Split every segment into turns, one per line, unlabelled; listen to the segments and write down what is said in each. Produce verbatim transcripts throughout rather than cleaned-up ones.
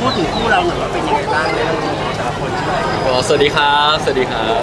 พูดถึงคู่เราหน่อยว่าเป็นยังไงบ้างในเรื่องของแต่ละคนใช่ไหม
ก็สวัสดีครับสวัสดีครับ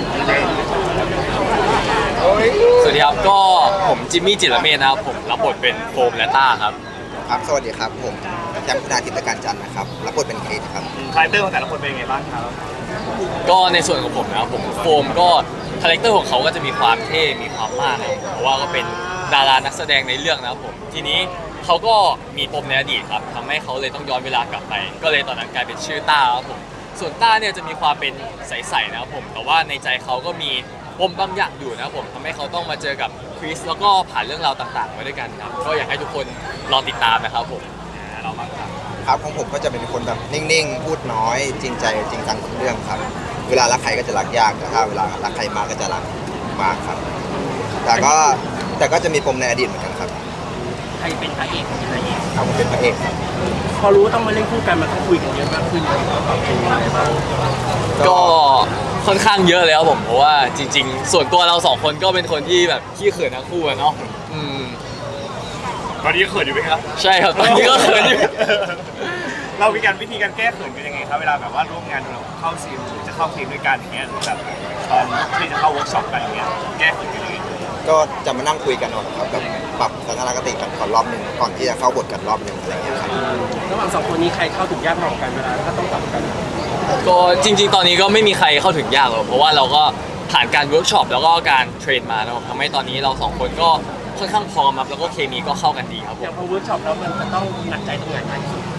สวัสดีครับก็ผมจิมมี่จิรเมธนะครับผมรับบทเป็นโฟมและต้าครับ
ครับสวัสดีครับผมแชมป์คุณาทิตการจันทร์นะครับรับบทเป็นเคสครับ
คาแรคเตอร์ของแต่ละคนเป็นยังไงบ้างครับ
ก็ในส่วนของผมนะครับผมโฟมก็คาแรคเตอร์ของเขาก็จะมีความเท่มีความมากนะเพราะว่าก็เป็นดารานักแสดงในเรื่องนะครับผมทีนี้เขาก็มีปมในอดีตครับทำให้เขาเลยต้องย้อนเวลากลับไปก็เลยตอนนั้นกลายเป็นชื่อต้าครับผมส่วนต้าเนี่ยจะมีความเป็นใสๆนะครับผมแต่ว่าในใจเขาก็มีปมบางอย่างอยู่นะครับผมทำให้เขาต้องมาเจอกับคริสแล้วก็ผ่านเรื่องราวต่างๆมาด้วยกันครับก็อยากให้ทุกคนลองติดตามนะครับผมเรามาครับ
ครับของผมก็จะเป็นคนแบบนิ่งๆพูดน้อยจริงใจจริงจังกับเรื่องครับเวลารักใครก็จะรักยากแต่ถ้าเวลารักใครมากก็จะรักมากครับแต่ก็แต่ก็จะมีปมในอดีตเหมือนกันครับ
ใครเป็นพระเอกเป็นพระเอก
ครับผมเป็นพระเอกครับ
พอรู้ต้องมาเล่นคู่กันมันต้องคุยกันเยอะมากขึ้นเลยปรับตัวอะไรบ้าง
ก็ค่อนข้างเยอะเลยครับผมเพราะว่าจริงๆส่วนตัวเราสองคนก็เป็นคนที่แบบขี้เขินทั้งคู่อะเนาะอืม
ตอนนี้เขินอยู่ไหมครับ
ใช่ครับตอนนี้ก็เขินอยู่
เรามีการวิธีการแก้เขินกันยังไงครับเวลาแบบว่าร่วมงานเราเข้าซีมหรือจะเข้าทีมด้วยกันอย่างเงี้ยหรือแบบตอนที่จะเข้าเวิร์กช็อปกันอย่างเงี้ยแก้เขินกันยังไง
ก็จะมานั่งคุยกันก่อนครับแบบปรับทัศนคติกันก่อนรอบหนึ่งก่อนที่จะเข้าบทกันรอบหนึ่งอะไรเงี้ยครับ
ระหว่างสองคนนี้ใครเข้าถึงยากมากกว่ากันเวลาก็ต้องปรับกัน
ก็จริงๆตอนนี้ก็ไม่มีใครเข้าถึงยากหรอกเพราะว่าเราก็ผ่านการเวิร์กช็อปแล้วก็การเทรนมาแล้วทำให้ตอนนี้เราสองคนก็ค่อนข้างพร้อมครับแล้วก็เคมีก็เข้ากันดีครับผม
อย่างพอเวิร์กช็อปแล้วมันจะต้องหนักใจตรงไหนไหม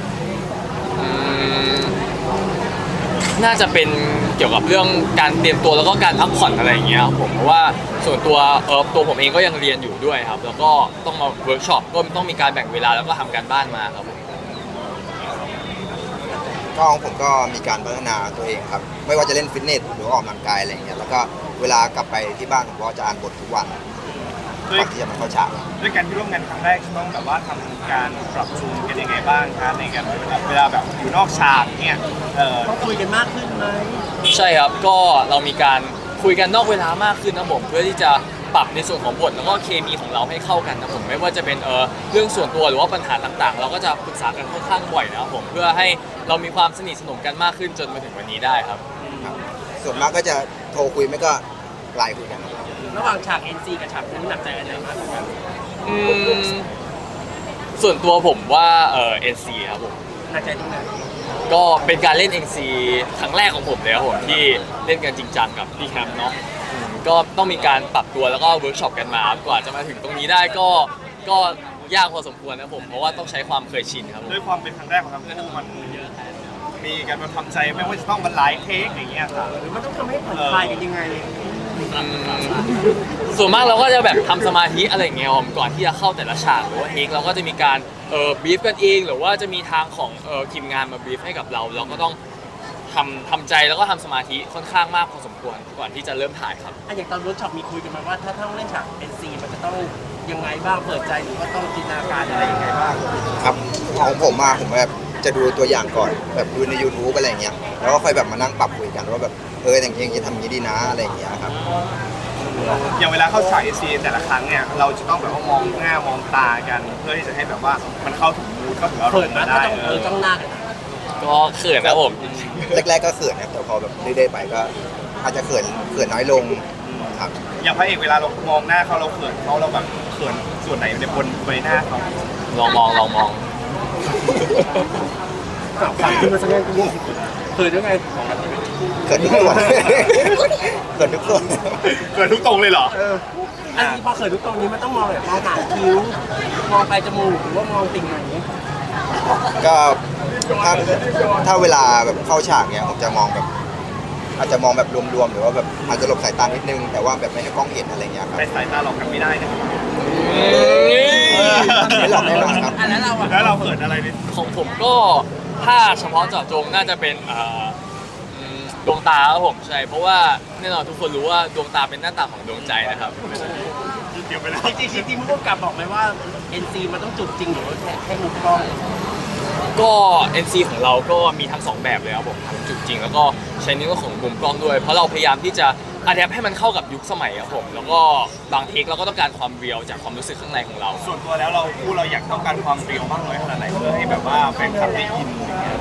น่าจะเป็นเกี่ยวกับเรื่องการเตรียมตัวแล้วก็การพักผ่อนอะไรอย่างเงี้ยครับผมเพราะว่าส่วนตัวเออตัวผมเองก็ยังเรียนอยู่ด้วยครับแล้วก็ต้องมาเวิร์กช็อปก็ต้องมีการแบ่งเวลาแล้วก็ทำการบ้านมาครับผม
ก็ของผมก็มีการพัฒนาตัวเองครับไม่ว่าจะเล่นฟิตเนสหรือออกกำลังกายอะไรอย่างเงี้ยแล้วก็เวลากลับไปที่บ้านผมก็จะอ่านบททุกวันก่อนที่จะมาเข้าฉาก
ด้วยการที่ร่วมงานครั้งแรกต้องแบบว่าทำการปรับจูนกันยังไงบ้างครับในการเวลาแบบอยู่นอกฉากเนี่ยต้องคุยกันมากขึ้นไหม
ใช่ครับก็เรามีการคุยกันนอกเวลามากขึ้นนะผมเพื่อที่จะปรับในส่วนของบทแล้วก็เคมีของเราให้เข้ากันนะผมไม่ว่าจะเป็นเออเรื่องส่วนตัวหรือว่าปัญหาต่างๆเราก็จะปรึกษากันค่อนข้างบ่อยนะครับผมเพื่อให้เรามีความสนิทสนมกันมากขึ้นจนมาถึงวันนี้ได้ครับ
ส่วนมากก็จะโทรคุยไม่ก็ไลน์คุยกัน
ระหว่างฉาก เอ็น ซี กับฉากนี้หนักใจอันไหนมากกว่ากัน
ส่วนตัวผมว่าเออ เอ็น ซี ครับผม
หนักใจตรงไหน
ก็เป็นการเล่น เอ็น ซี ครั้งแรกของผมเลยครับผมที่เล่นกันจริงจังกับพี่แคมป์เนาะก็ต้องมีการปรับตัวแล้วก็เวิร์กช็อปกันมากว่าจะมาถึงตรงนี้ได้ก็ก็ยากพอสมควรนะผมเพราะว่าต้องใช้ความเคยชินครับ
ด้วยความเป็นครั้งแรกของเราเนี่ยมันมีการมาทำใจไม่ว่าจะต้องบรรลัยเทคอย่างเงี้ยค่ะหรือมันต้องทำให้ผ่อนคลายกันยังไง
ส่วนมากเราก็จะแบบทำสมาธิอะไรเงี้ยก่อนที่จะเข้าแต่ละฉากหรือว่าเทคเราก็จะมีการเอ่อบีฟกันเองหรือว่าจะมีทางของเอ่อทีมงานมาบีฟให้กับเราเราก็ต้องทำทำใจแล้วก็ทำสมาธิค่อนข้างมากพอสมควรก่อนที่จะเริ่มถ่ายครับ
อย่างตอนเวิร์กช็อปมีคุยกันมาว่าถ้าต้องเล่นฉาก เอ็น ซี มันจะต้องยังไงบ้างเปิดใจหรือว่าต้องจินตนาการอะไรยังไงบ้าง
ครับของผมมาผมแบบจะดูตัวอย่างก่อนแบบดูใน ยูทูบ อะไรเงี้ยแล้วก็ค่อยแบบมานั่งปรับคุยกันว่าแบบเอออย่างเงี้ยจะทำอย่างนี้ดีนะอะไรอย่างเงี้ยครับ
อย่างเวลาเข้าฉาก เอ็น ซี แต่ละครั้งเนี่ยเราจะต้องแบบว่ามองหน้ามองตากันเพื่อที่จะให้แบบว่ามันเข้าถึงมูดเข้าถึงอารมณ์ได้เออต้องหน้า
ก็เขินนะผม
แรกๆก็เขินนะแต่พอแบบเรื่อยๆไปก็อาจจะเขินเขินน้อยลงครับ
อย่างพระเอกเวลาเรามองหน้าเขาเราเขินเขาเราแบบเขินส่วนไหนในบนใบหน้าเขา
ลองมองลองมอง
ฝันขึ้นมาสักนิดนึงเขินยังไง
เขินทุกตัวเขินทุกตัว
เขินทุกตรงเลยเหรออันนี้พอเขินทุกตรงนี้มันต้องมองแบบมองหางคิ้วมองไปจมูกหรือว่ามองติ่งไหน
ก็ถ้าถ้าเวลาแบบเข้าฉากเนี้ยผมจะมองแบบอาจจะมองแบบรวมๆหรือว่าแบบอาจจะหลบสายตานิดนึงแต่ว่าแบบไม่ให้กล้องเห็นอะไรเงี้ยครับ
ไปสายตาหลอกกันไม่ได้นะ
ไม่หลอกแน่นอนครับ
แล้วเราแล้วเราเขินอะไร
ของผมก็ถ้าเฉพาะเจาะจงน่าจะเป็นดวงตาครับผมใช่เพราะว่าแน่นอนทุกคนรู้ว่าดวงตาเป็นหน้าตาของดวงใจนะครับ
เกี่ยวไปแล้วจริงๆจริงๆผู้กำกับบอกไหมว่า เอ็น ซี มันต้องจุดจริงหรือว่าแค่ให้มุมกล้อง
ก็ เอ็น ซี ของเราก็มีทั้งสองแบบเลยครับผมทั้งจุดจริงแล้วก็ใช้ในเรื่องของมุมกล้องด้วยเพราะเราพยายามที่จะอะแดปให้มันเข้ากับยุคสมัยครับผมแล้วก็บางเทคเราก็ต้องการความเรียลจากความรู้สึกข้างในของเรา
ส่วนตัวแล้วเราคู่เราอยากต้องการความเรียลมากน้อยขนาดไหนเพื่อให้แบบว่าแฟนคลับได้อินอย่างเงี้ย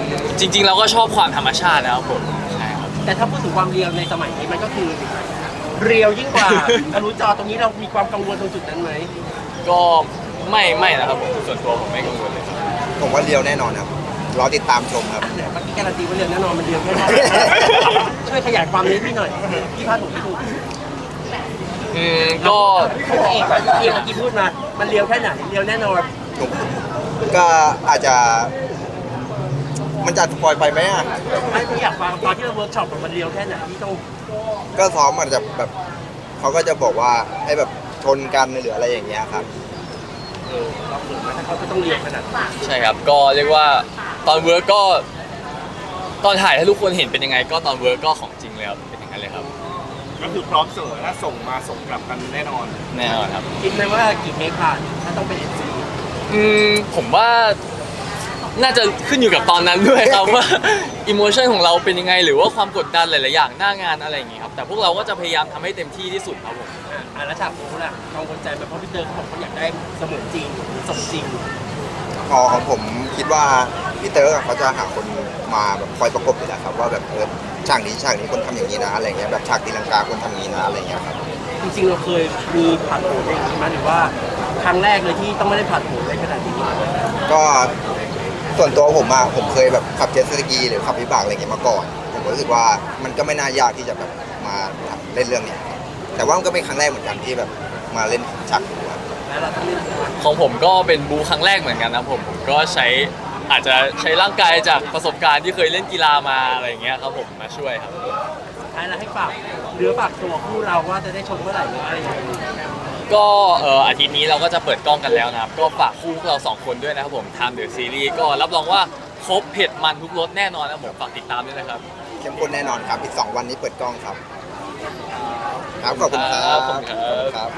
จริงๆเราก็ชอบความธรรมชาตินะครับผมใช่ครับ
แต่ถ้าพูดถึงความเรียวในสมัยนี้มันก็คือเรียวยิ่งกว่าทะลุจอตรงนี้เรามีความกังวลตรงจุดนั้นไหม
ก็ไม่ไม่นะครับผมส่วนตัวผมไม่กังวลเลยครับ
ผมว่าเรียวแน่นอนครับรอติดตามชมครับ
แต่เมื่อกี้การันตีว่าเรียวแน่นอนมันเรียวแค่ไหน ช่วยขยายความนี้พี่หน่อยพี่พาดถูกพี่ถูก
อืมก็
เอกเอกเมื่อกี้พูดมา มันเรียวแค่ไหนเรียวแน่นอน
ผมก็อาจจะ มันจะสปอยไปไหมอ่ะ
ไอ้ที่อยากฟังตอนที่เราเวิร์กช็อปมันเรียวแค่ไหนที่ต้อง
ก็ซ้อมมันจะแบบเขาก็จะบอกว่าให้แบบชนกันหรืออะไรอย่างเงี้ยครับ
เออเราเปิดมาถ้าเขาก็ต้องเรียวขนาดนั้น
ใช่ครับก็เรียกว่าตอนเวิร์กก็ตอนถ่ายให้ทุกคนเห็นเป็นยังไง ก็ตอนเวิร์กก็ของจริงเลยครับเป็นอย่างนั้นเลยครับ
ก็คือพร้อมเสมอถ้าส่งมาส่งกลับกันแน่นอน
แน่นอนครับ
คิดไหมว่ากี่เทคผ่านถ้าต้องเป็นเอ็นซี
อืมผมว่าน่าจะขึ้นอยู่กับตอนนั้นด้วยครับ ว่าอิโมชันของเราเป็นยังไง หรือว่าความกดดันหลายๆอย่างหน้างานอะไรอย่างงี้ครับแต่พวกเราก็จะพยายามทำให้เต็มที่ที่สุดครับผม
อ่าแล้วฉากโน้ล่ะกังวลใจไหมเพราะพี่เตอร์เขาบอกเขาอยากได้เสมือนจริงหรือสมจริง
พอของผมคิดว่าพี่เตอร์เขาจะหาคนมาแบบคอยประกบอยู่แล้วครับว่าแบบเออฉากนี้ฉากนี้คนทำอย่างนี้นะอะไรเงี้ยแบบฉากตีลังกาคนทำอย่างนี้นะอะไรเงี้ยครับ
จริงๆเราเคยมีผ่านโผล่อย่างนี้มาหรือว่าครั้งแรกเลยที่ต้องไม่ได้ผ่านโผล่ในขนาดนี้
ก็ส่วนตัวผมอะผมเคยแบบขับเจ็ตสกีหรือขับวิบากอะไรเงี้ยมาก่อน ผมก็รู้สึกว่ามันก็ไม่น่ายากที่จะแบบมาทำเล่นเรื่องเนี้ยครับแต่ว่ามันก็เป็นครั้งแรกเหมือนกันที่แบบมาเล่นฉากนี้ครับ
แล้วเราต้องเล่น
ของผมก็เป็นบูครั้งแรกเหมือนกันนะผมผมก็ใช้อาจจะใช้ร่างกายจากประสบการณ์ที่เคยเล่นกีฬามาอะไรอย่างเงี้ยครับผมมาช่วยครับ
ท้ายแล้วให้ฝากเหลือฝากตัวคู่เราว่าจะได้ชมเมื่อไหร่หรืออะไรอย่างนี้
ก็เอ่ออาทิตย์นี้เราก็จะเปิดกล้องกันแล้วนะครับก็ฝากคู่พวกเราสองคนด้วยนะครับผมทำเดอะซีรีส์ก็รับรองว่าครบเผ็ดมันทุกรสแน่นอนนะผมฝากติดตามด้วยนะครับ
เข้มข้นแน่นอนครับอีกสองวันนี้เปิดกล้องครับครับขอบคุณครั
ครับ
บ
ขอบคุณครับ
ขอบคุณครับ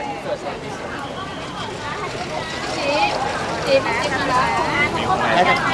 จีบจีบจีบนะ